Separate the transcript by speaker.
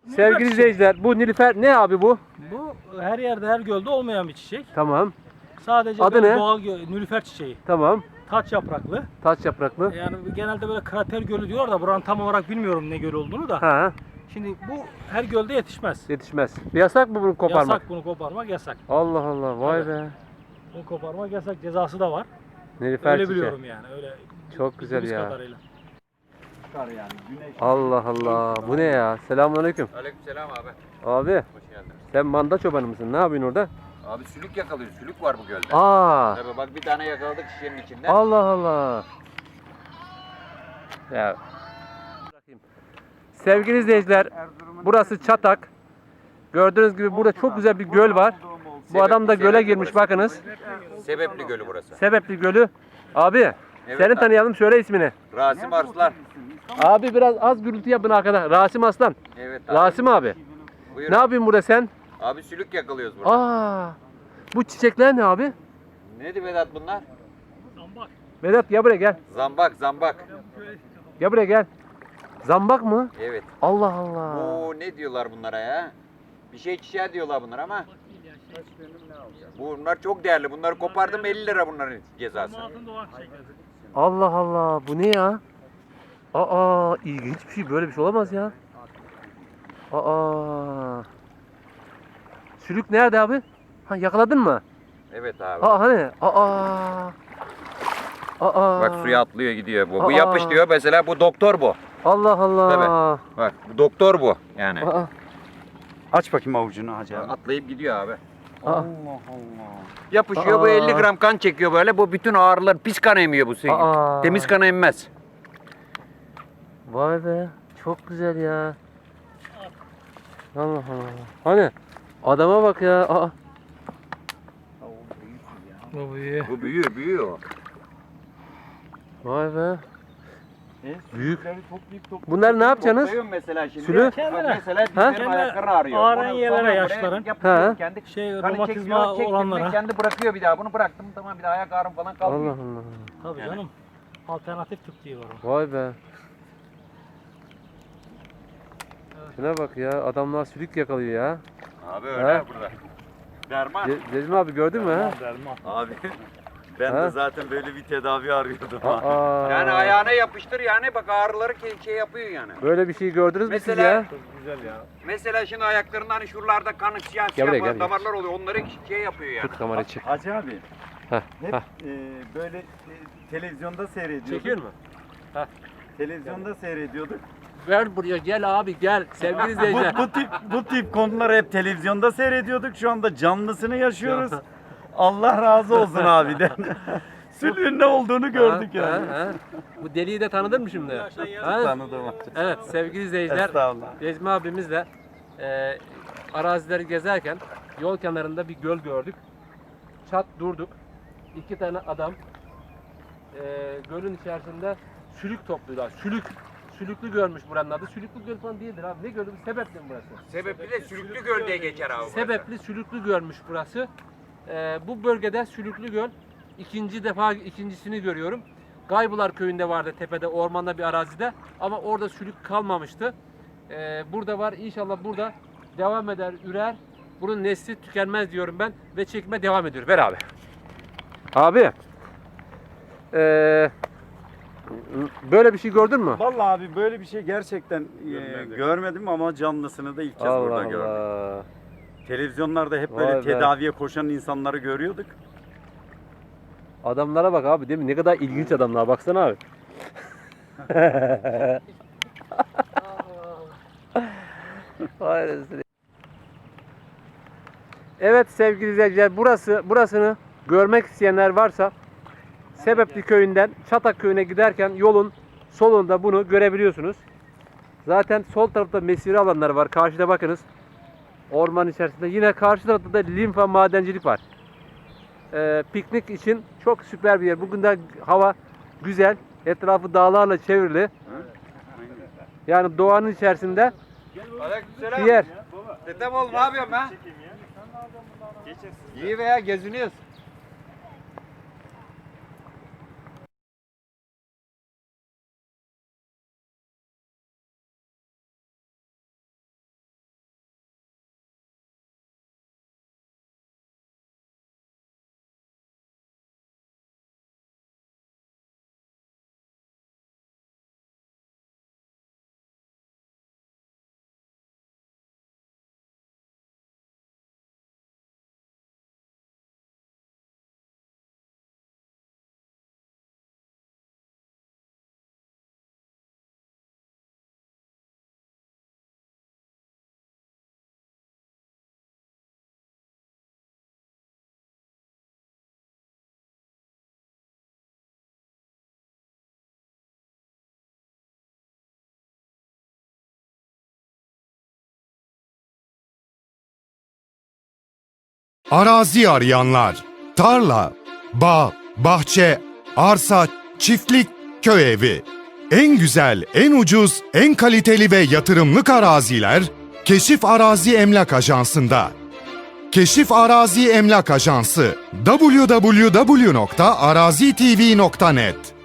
Speaker 1: Sevgili izleyiciler, bu nilüfer ne abi bu?
Speaker 2: Bu her yerde, her gölde olmayan bir çiçek.
Speaker 1: Tamam.
Speaker 2: Sadece
Speaker 1: Adı
Speaker 2: böyle
Speaker 1: ne?
Speaker 2: doğal nilüfer çiçeği.
Speaker 1: Tamam.
Speaker 2: Taç yapraklı.
Speaker 1: Taç yapraklı.
Speaker 2: Yani genelde böyle krater gölü diyorlar da buranın tam olarak bilmiyorum ne göl olduğunu da.
Speaker 1: Ha,
Speaker 2: Şimdi bu her gölde yetişmez.
Speaker 1: yetişmez. Yasak mı bunu koparmak?
Speaker 2: Yasak, bunu koparmak yasak.
Speaker 1: Allah Allah, vay
Speaker 2: Tabii.
Speaker 1: be.
Speaker 2: Bunu koparmak yasak, cezası da var.
Speaker 1: Nilüfer
Speaker 2: Öyle
Speaker 1: çiçeği.
Speaker 2: biliyorum yani. Öyle
Speaker 1: Çok güzel
Speaker 2: bildiğimiz
Speaker 1: ya.
Speaker 2: kadarıyla.
Speaker 1: Allah Allah, bu ne ya? Selamünaleyküm.
Speaker 3: Aleykümselam abi.
Speaker 1: Abi,
Speaker 3: Hoş geldin.
Speaker 1: sen manda çobanı mısın? Ne yapıyorsun orada?
Speaker 3: Abi sülük yakalıyoruz. Sülük var bu gölde.
Speaker 1: Aa,
Speaker 3: Tabii bak bir tane yakaladık şişenin içinde.
Speaker 1: Allah Allah. Ya. Sevgili izleyiciler, burası Çatak. Gördüğünüz gibi burada çok güzel bir göl var. Bu adam da göle girmiş, bakınız.
Speaker 3: Sebepli gölü burası.
Speaker 1: Sebepli Gölü. Abi,
Speaker 3: Evet
Speaker 1: seni
Speaker 3: abi.
Speaker 1: tanıyalım, söyle ismini.
Speaker 3: Rasim Arslan.
Speaker 1: Abi biraz az gürültü yapın arkada. Rasim Aslan.
Speaker 3: Evet abi.
Speaker 1: Rasim abi.
Speaker 3: Buyur.
Speaker 1: Ne yapıyorsun burada sen?
Speaker 3: Abi sülük yakalıyoruz burada.
Speaker 1: Aa, bu çiçekler ne abi?
Speaker 3: Neydi Vedat bunlar?
Speaker 1: Vedat gel buraya gel.
Speaker 3: Zambak, zambak.
Speaker 1: Gel buraya gel. Zambak mı?
Speaker 3: Evet.
Speaker 1: Allah Allah.
Speaker 3: Bu ne diyorlar bunlara ya? Bir şey çiçeği diyorlar bunlar ama. Bunlar çok değerli. Bunları kopardım 50 lira bunların cezası.
Speaker 1: Allah Allah. Bu ne ya? Aa, ilginç bir şey. Böyle bir şey olamaz ya. Aa. Sülük nerede abi? Ha, yakaladın mı?
Speaker 3: Evet abi.
Speaker 1: Aa hani? Aa. Aa.
Speaker 3: Bak suya atlıyor gidiyor bu. Bu
Speaker 1: Aa.
Speaker 3: yapış diyor mesela bu doktor bu.
Speaker 1: Allah Allah.
Speaker 3: Bak bu doktor bu yani.
Speaker 1: Aa.
Speaker 4: Aç bakayım avucunu Hacı abi.
Speaker 3: Atlayıp gidiyor abi.
Speaker 1: Aa.
Speaker 4: Allah Allah.
Speaker 3: Yapışıyor bu
Speaker 1: Aa.
Speaker 3: 50 gram kan çekiyor böyle. Bu bütün ağrılar pis kan emiyor bu suyu.
Speaker 1: Aa.
Speaker 3: Temiz kan emmez.
Speaker 1: Vay be. Çok güzel ya. Allah Allah. Hani? Adama bak ya. Aa.
Speaker 2: Bu iyi.
Speaker 3: Bu büyüyor.
Speaker 1: Vay be. Büyük.
Speaker 4: Toplayıp
Speaker 1: Bunları ne yapacaksınız?
Speaker 3: Topluyorum mesela şimdi.
Speaker 1: Sülü?
Speaker 3: Bak mesela
Speaker 1: Ha?
Speaker 3: dizlerin ayakları ağrıyor.
Speaker 2: Ağrıyan
Speaker 3: Bunu
Speaker 2: yerlere
Speaker 3: sonra buraya
Speaker 2: yaşların.
Speaker 3: yapıyorum
Speaker 1: Ha.
Speaker 3: Kendi
Speaker 2: Şey,
Speaker 3: kanı
Speaker 2: romatizma
Speaker 3: çekiyor, çektim mi
Speaker 2: olanlara.
Speaker 3: kendi bırakıyor bir daha. Bunu bıraktım tamam bir daha ayak ağrım falan
Speaker 1: Allah
Speaker 3: kalmıyor.
Speaker 1: Allah.
Speaker 2: Tabii
Speaker 3: Yani.
Speaker 2: canım. Alternatif tıp diye var o.
Speaker 1: Vay be. Şuna bak ya. Adamlar sülük yakalıyor ya.
Speaker 3: Abi
Speaker 1: Ha?
Speaker 3: öyle burada. Derman.
Speaker 1: Cezmi abi gördün mü ha?
Speaker 4: Abi ben
Speaker 1: Ha?
Speaker 4: de zaten böyle bir tedavi arıyordum.
Speaker 1: Aa.
Speaker 3: Yani ayağına yapıştır yani bak ağrıları şey yapıyor yani.
Speaker 1: Böyle bir şey gördünüz mü siz
Speaker 3: Mesela-
Speaker 1: ya?
Speaker 3: Mesela şimdi ayaklarında hani şuralarda kanı siyah
Speaker 1: Gel buraya,
Speaker 3: siyah
Speaker 1: gel,
Speaker 3: damarlar oluyor. Onları şey yapıyor yani.
Speaker 1: Tut kamerayı çık.
Speaker 4: Hacı abi
Speaker 1: Heh,
Speaker 4: hep
Speaker 1: heh.
Speaker 4: böyle televizyonda seyrediyorduk.
Speaker 1: Çekiyor mu?
Speaker 4: Televizyonda seyrediyorduk.
Speaker 1: Ver buraya gel abi gel. Sevgili izleyiciler.
Speaker 4: Bu tip konuları hep televizyonda seyrediyorduk. Şu anda canlısını yaşıyoruz. Allah razı olsun abiden. Sülüğün ne olduğunu gördük
Speaker 1: Ha,
Speaker 4: yani.
Speaker 1: ha, ha. Bu deliği de tanıdın mı şimdi? Ha?
Speaker 4: Tanıdım abi.
Speaker 1: Evet sevgili izleyiciler.
Speaker 4: Estağfurullah.
Speaker 1: Cezmi abimizle arazileri gezerken yol kenarında bir göl gördük. Çat durduk. İki tane adam gölün içerisinde sülük topluyorlar. Sülüklü görmüş buranın adı. Sülüklü göl falan değildir abi. Ne gölü? Sebepli mi burası?
Speaker 3: Sebebi de sülüklü göl diye geçer abi.
Speaker 1: Sebepli Sülüklü görmüş burası. Bu bölgede Sülüklü Göl ikincisini görüyorum. Gaybular köyünde vardı tepede ormanda bir arazide ama orada sülük kalmamıştı. Burada var inşallah burada devam eder ürer. Bunun nesli tükenmez diyorum ben ve çekime devam ediyor. Ver abi. Abi. Böyle bir şey gördün mü?
Speaker 4: Vallahi abi böyle bir şey gerçekten görmedim ama canlısını da ilk kez burada gördüm.
Speaker 1: Allah.
Speaker 4: Televizyonlarda hep
Speaker 1: Vay
Speaker 4: böyle
Speaker 1: be.
Speaker 4: tedaviye koşan insanları görüyorduk.
Speaker 1: Adamlara bak abi değil mi? Ne kadar ilginç adamlar. Baksana abi. Vay rezil. Evet sevgili izleyiciler burasını görmek isteyenler varsa Sebepli köyünden Çatak köyüne giderken yolun solunda bunu görebiliyorsunuz. Zaten sol tarafta mesire alanları var. Karşıda bakınız. Orman içerisinde. Yine karşı tarafta da limfa madencilik var. Piknik için çok süper bir yer. Bugün de hava güzel. Etrafı dağlarla çevrili. Yani doğanın içerisinde bir yer.
Speaker 3: Dedem oğlum ne yapıyorsun ben? İyi veya geziniyoruz.
Speaker 5: Arazi arayanlar, tarla, bağ, bahçe, arsa, çiftlik, köy evi. En güzel, en ucuz, en kaliteli ve yatırımlık araziler Keşif Arazi Emlak Ajansı'nda. Keşif Arazi Emlak Ajansı www.arazitv.net